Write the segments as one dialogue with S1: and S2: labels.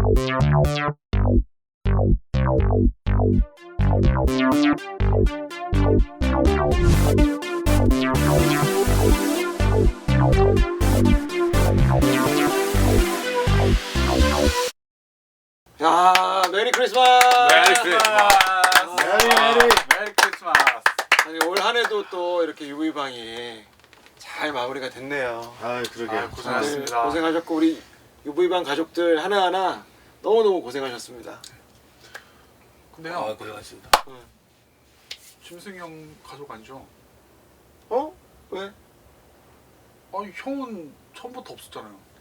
S1: 야, 메리 크리스마스!
S2: 메리 크리스마스!
S3: 메리 크리스마스!
S1: 아니, 올 한 해도 또 이렇게 UV방이 잘 마무리가 됐네요.
S2: 아, 그러게.
S3: 아, 고생하셨습니다.
S1: 고생하셨고, 우리 UV방 가족들 하나하나 너무너무 고생하셨습니다.
S3: 근데요,
S2: 아, 고생하셨습니다.
S3: 짐승이 형 가족 아니죠?
S1: 어? 왜?
S3: 아니, 형은 처음부터 없었잖아요.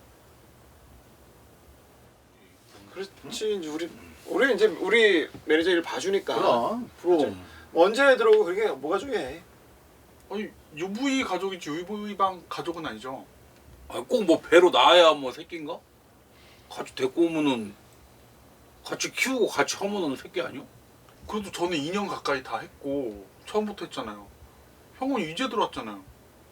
S1: 그렇지, 이제 우리 이제 우리 매니저 일 봐주니까.
S2: 그럼.
S1: 그럼. 언제 들어오고 그게 뭐가 중요해?
S3: 아니, UV 가족이지 UV방 가족은 아니죠?
S2: 아, 꼭 뭐 배로 나와야 뭐 새끼인가? 같이 데리고 오면은 같이 키우고 같이 하면은 새끼 아니야?
S3: 그래도 저는 2년 가까이 다 했고 처음부터 했잖아요. 형은 이제 들어왔잖아요.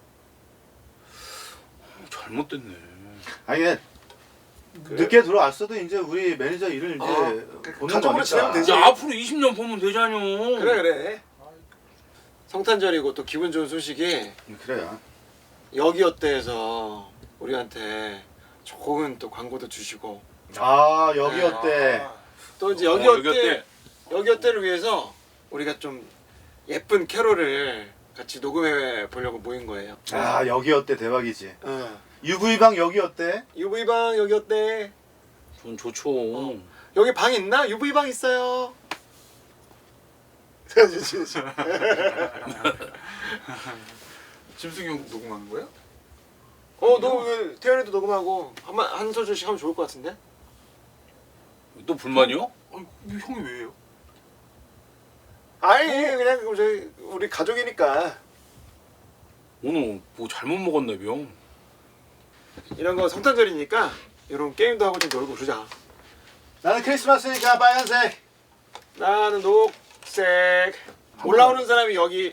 S2: 잘못됐네.
S4: 아니
S1: 그래?
S4: 늦게 들어왔어도 이제 우리 매니저 일을 이제 보는
S1: 가족으로 지내면
S4: 거니까.
S1: 되지.
S2: 야, 앞으로 20년 보면 되잖여.
S1: 그래. 성탄절이고 또 기분 좋은 소식이
S4: 그래요.
S1: 여기어때에서 우리한테 좋은 또 광고도 주시고
S4: 아 여기 어때?
S1: 또 이제
S2: 여기
S1: 여기어때를 위해서 우리가 좀 예쁜 캐롤을 같이 녹음해 보려고 모인 거예요.
S4: 아 여기 어때 대박이지.
S1: 어.
S4: UV방 여기 어때?
S1: UV방 여기어때
S2: 전 좋죠.
S1: 여기 방 있나? UV방 있어요.
S3: 짐승이 형 녹음하는 거예요?
S1: 너 태연이도 녹음하고 한 소절씩 하면 좋을 것 같은데?
S2: 또 불만이요?
S3: 아니, 형이 왜요?
S1: 아니 그냥 저희 우리 가족이니까
S2: 오늘 뭐 잘못 먹었나 병.
S1: 이런 거 성탄절이니까 이런 게임도 하고 좀 놀고 그러자.
S4: 나는 크리스마스니까 빨간색.
S1: 나는 녹색. 올라오는 사람이 여기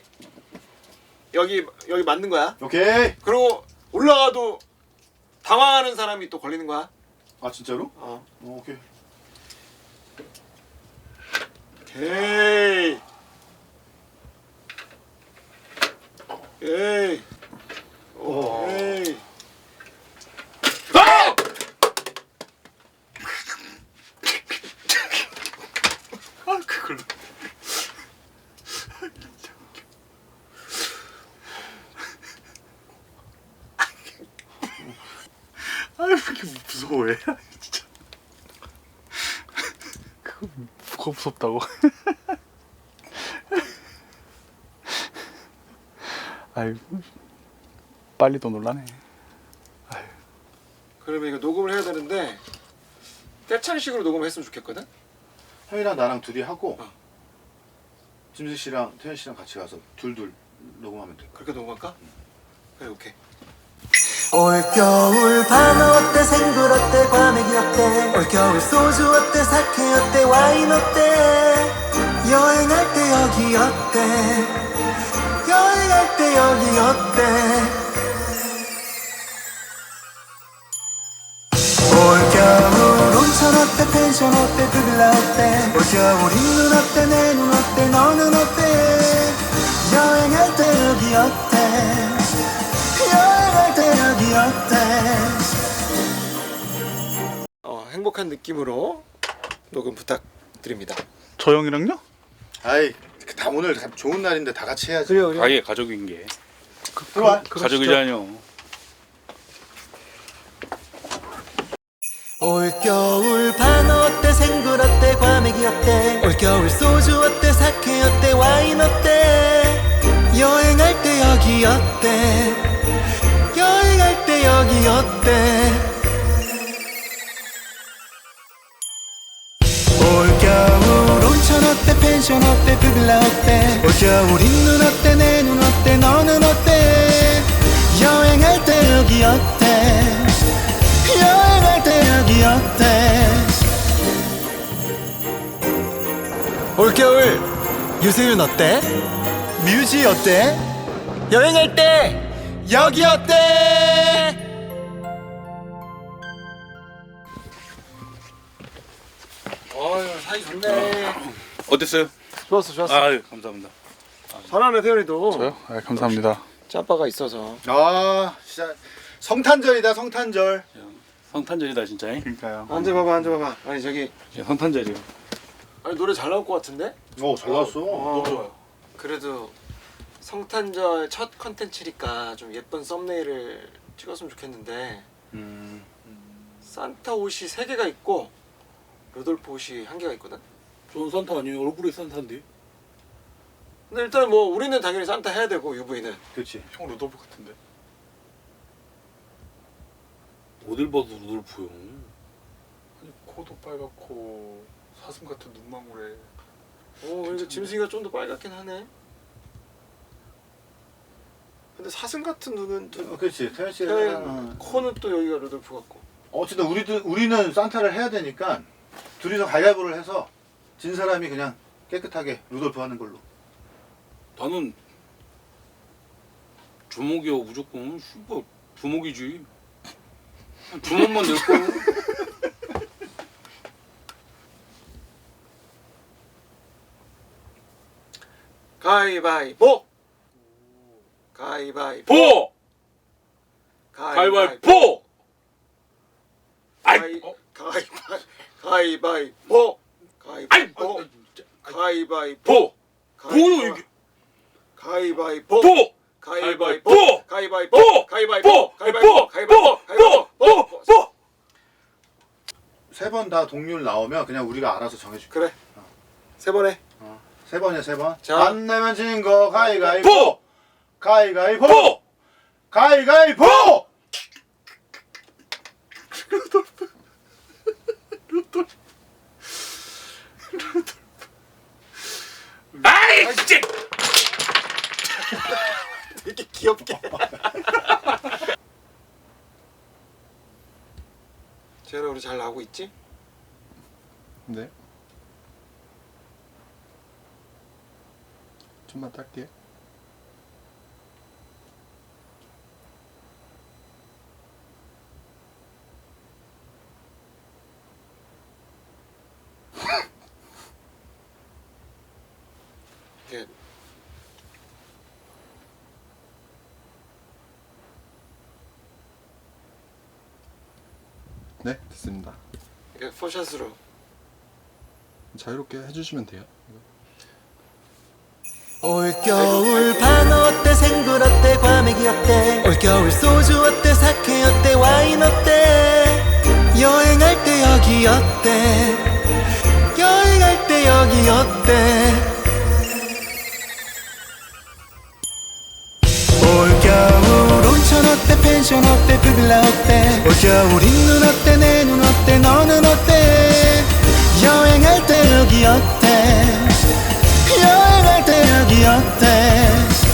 S1: 맞는 거야.
S4: 오케이.
S1: 그리고 올라가도 당황하는 사람이 또 걸리는 거야.
S4: 아 진짜로?
S1: 오케이.
S4: 오케이.
S1: 오케이.
S3: 아, 그걸로. 아, 왜 이렇게 무서워해? 진짜. 그거 무섭다고? 아이고, 빨리 또 놀라네.
S1: 그러면 이거 녹음을 해야 되는데 떼창식으로 녹음을 했으면 좋겠거든.
S4: 형이랑 나랑 둘이 하고
S1: 어.
S4: 짐승 씨랑 태연 씨랑 같이 가서 둘 녹음하면 돼.
S1: 그렇게 녹음할까? 그래 오케이.
S5: 올겨울 바나 어때 생굴 어때 과메기 어때 올겨울 소주 어때 사케 어때 와인 어때 여행할 때 여기 어때 여행할 때 여기 어때 올겨울 온천 어때 펜션 어때 드빌라 어때 올겨울 이눈 어때 내 눈 어때 너는 어때 여행할 때 여기 어때 여행할 때 여기 어때
S1: 행복한 느낌으로 녹음 부탁드립니다.
S3: 저 형이랑요?
S4: 아이 다 오늘 좋은 날인데 다 같이 해야지.
S1: 그래요.
S2: 가게 가족인 게.
S4: 들어와.
S2: 가족이잖여.
S5: 올겨울 바나 어때 생굴 어때 과메기 어때 올겨울 소주 어때 사케 어때 와인 어때 여행할 때 여기 어때 여행할 때 여기 어때 올겨울 온천 어때 펜션 어때 드빌라 어때 올겨울 인눈 어때 내 눈 어때 너는 어때 여행할 때 여기 어때 여행할 때 여기 어때 올겨울 유세윤 어때? 뮤지 어때? 여행할 때 여기 어때?
S1: 어휴 사이 좋네.
S2: 어땠어요?
S1: 좋았어.
S2: 아유 감사합니다.
S1: 잘하네 태현이도.
S3: 저요? 아, 감사합니다.
S1: 짬바가 있어서.
S4: 아 진짜 성탄절이다 성탄절.
S2: 성탄절이다 진짜.
S3: 그러니까요.
S1: 앉아봐봐. 아니 저기
S2: 성탄절이요.
S1: 아니 노래 잘 나올 것 같은데?
S4: 잘 나왔어.
S3: 너무 좋아요.
S1: 그래도 성탄절 첫 컨텐츠니까 좀 예쁜 썸네일을 찍었으면 좋겠는데 산타 옷이 3개가 있고 루돌프 옷이 1개가 있거든?
S2: 저는 산타 아니에요. 얼굴이 산타인데.
S1: 근데 일단 뭐 우리는 당연히 산타 해야 되고 UV는
S4: 그렇지.
S3: 형 루돌프 같은데.
S2: 어딜 봐도 루돌프요.
S3: 아니 코도 빨갛고 사슴 같은 눈망울에.
S1: 그러니까 짐승이가 좀 더 빨갛긴 하네. 근데 사슴 같은 눈은 좀
S4: 그렇지. 태현 씨가
S1: 코는 또 여기가 루돌프 같고.
S4: 어쨌든 우리는 산타를 해야 되니까 둘이서 가위바위보를 해서 진 사람이 그냥 깨끗하게 루돌프 하는 걸로.
S2: 나는 주먹이요 무조건. 슈퍼 주먹이지. 주먹만 낼 거.
S1: 가위바위보. 가위바위보.
S2: 보. 가위바위보. 아이.
S1: 가위바위보.
S2: 아이.
S1: 가위바위보. 가위바위보.
S2: 보. 보요 이게.
S1: 가위바위보.
S2: 보.
S1: 가위바위보. 가위바위보.
S2: 보.
S1: 가위바위보.
S2: 보.
S1: 가위바위보. 가위바위보.
S2: 보.
S4: 3번 다 동률 나오면 그냥 우리가 알아서 정해줄게.
S1: 그래. 3번 해.
S4: 3번이야 3번.
S1: 자.
S4: 안 내면 진 거 가위가위보.
S2: 보.
S4: 가위가위보.
S2: 보.
S4: 가위가위보.
S2: 아이 진짜.
S1: 이렇게 귀엽게. 재현아 우리 잘 나오고 있지?
S6: 네. 좀만 딸게.
S1: 이게
S6: 네, 됐습니다.
S1: 이게 포샷으로.
S6: 자유롭게 해주시면 돼요.
S5: 올겨울 방어 어때 생굴 어때 과메기 어때 올겨울 소주 어때 사케 어때 와인 어때 여행할 때 여기 어때 여행할 때 여기 어때 올겨울 온천 어때 펜션 어때 푸글라 어때 올겨울 인눈 어때 내 눈 어때 너는 어때 여행할 때 여기 어때 여행할 때 여기 어때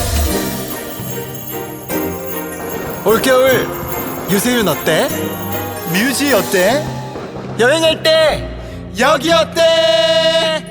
S5: 올겨울 유세윤 어때? 뮤지 어때? 여행할 때 여기 어때?